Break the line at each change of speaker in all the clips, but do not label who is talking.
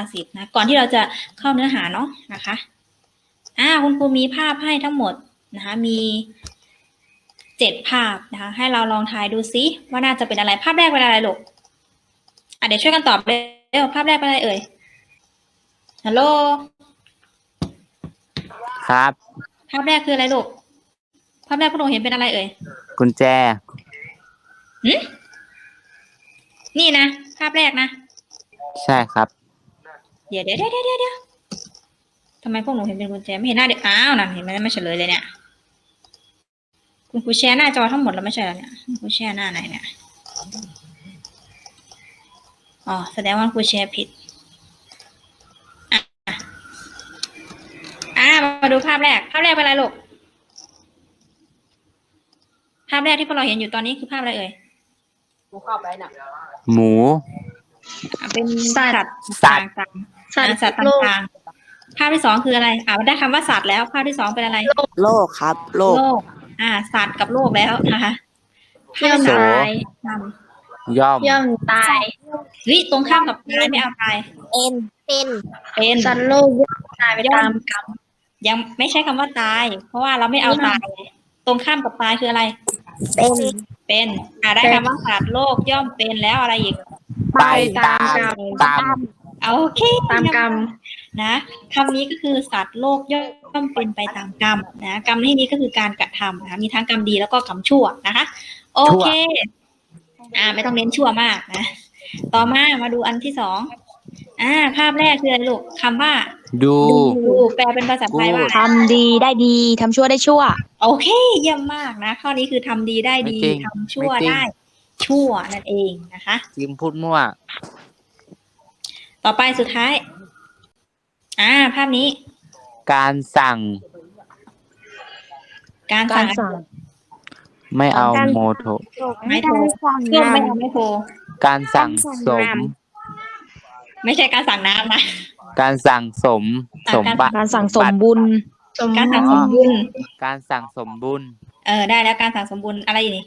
ษิตนะก่อนที่เราจะเข้าเนื้อหาเนาะนะคะคุณครูมีภาพให้ทั้งหมดนะคะมี7 ภาพนะคะให้เราลองทายดูซิว่าน่าจะเป็นอะไรภาพแรกเป็นอะไรลูกเดี๋ยวช่วยกันตอบเร็วภาพแรกเป็นอะไรเอ่ยฮัลโหล
ครับ
ภาพแรกคืออะไรลูกภาพแรกพวกหนูเห็นเป็นอะไรเอ่ย
กุญแจ
นี่นะภาพแรกนะ
ใช่ครับ
เดี๋ยวทำไมพวกหนูเห็นเป็นกุญแจไม่เห็นหน้าเด็กนั่นเห็นไหมไม่เฉลยเลยเนี่ยคุณครูแชร์หน้าจอทั้งหมดแล้วไม่ใช่เหรอเนี่ยคุณครูแชร์หน้าไหนเนี่ยแสดงว่าครูแชร์ผิดมาดูภาพแรกเป็นอะไรลูกภาพแรกที่พวกเราเห็นอยู่ตอนนี้คือภาพอะไรเอ่ย
หมู
เป็นสัตว์ต่างๆสัตว์ต่างๆภาพที่2คืออะไรได้คำว่าสัตว์แล้วภาพที่2เป็นอะไร
โลกครับโลก
สัตว์กับโลกแล้วนะคะ
ย่อมตาย
ย่อม
ตาย
ตรงข้ามกับตายไม่เอาตายเป็น
สัตว์โลกย่อมตายไปตามกรรม
ยังไม่ใช่คำว่าตายเพราะว่าเราไม่เอาตายตรงข้ามกับตายคืออะไรเป็นได้คำว่าสัตว์โลกย่อมเป็นแล้วอะไรอีก
ไปตาม
โอเค
ตามกรรม
นะคำนี้ก็คือสัตว์โลกย่อมเป็นไปตามกรรมนะกรรมในที่นี้ก็คือการกระทำนะคะมีทั้งกรรมดีแล้วก็กรรมชั่วนะคะโอเคไม่ต้องเน้นชั่วมากนะต่อมาดูอันที่2ภาพแรกคืออะไรลูกคำว่า
ดู
แปลเป็นภาษาไทยว่า
ทำดีได้ดีทำชั่วได้ชั่ว
โอเคเยี่ยมมากนะข้อนี้คือทำดีได้ดีทำชั่วได้ชั่วนั่นเองนะคะ
จิมพูดมั่ว
ต่อไปสุดท้ายภาพนี้
การสั่งไม่เอาโมโท
ไม่โทรไม่โทร
การสั่งสม
ไม่ใช่การสั่งน้ำนะ
การสั่งสม
การสั่งสมบุญ
การสั่งสมบุญ
การสั่งสมบุญ
ได้แล้วการสั่งสมบุญอะไรนี่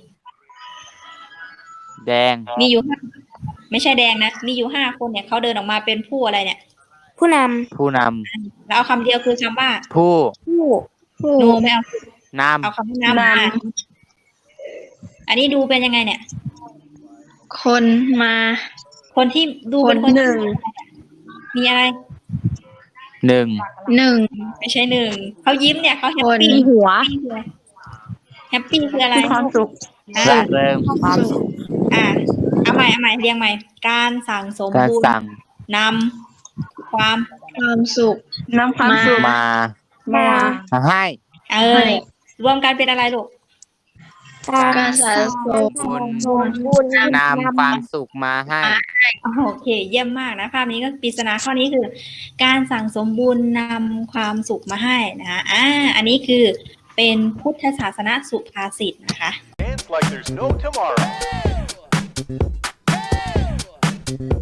แดง
มีอยู่ไม่ใช่แดงนะมีอยู่5 คนเนี่ยเขาเดินออกมาเป็นผู้อะไรเนี่ย
ผู้น
ำแล้วเอาคำเดียวคือคำว่า
ผู้
โนไม่เอา
นำ
เอาคำว่านำอันนี้ดูเป็นยังไงเนี่ยคนที่ดูเป็นคนหนึ่งมีอะไร
1
ไม่ใช่1เขายิ้มเนี่ยเขาแฮปปี้
หัว
แฮปปี้คืออะไร
ความสุข
ร่าเริง
ความสุข
เอาใหม่เรียงใหม่การสั่งสมบุญนำความสุข
มาให้
รวมกันเป็นอะไรลูก
การสั่งสมบุญ
นำความสุขมาให้
โอเคเยี่ยมมากนะภาพนี้ก็ปริศนาข้อนี้คือการสั่งสมบุญนำความสุขมาให้นะคะอันนี้คือเป็นพุทธศาสนสุภาษิตนะคะ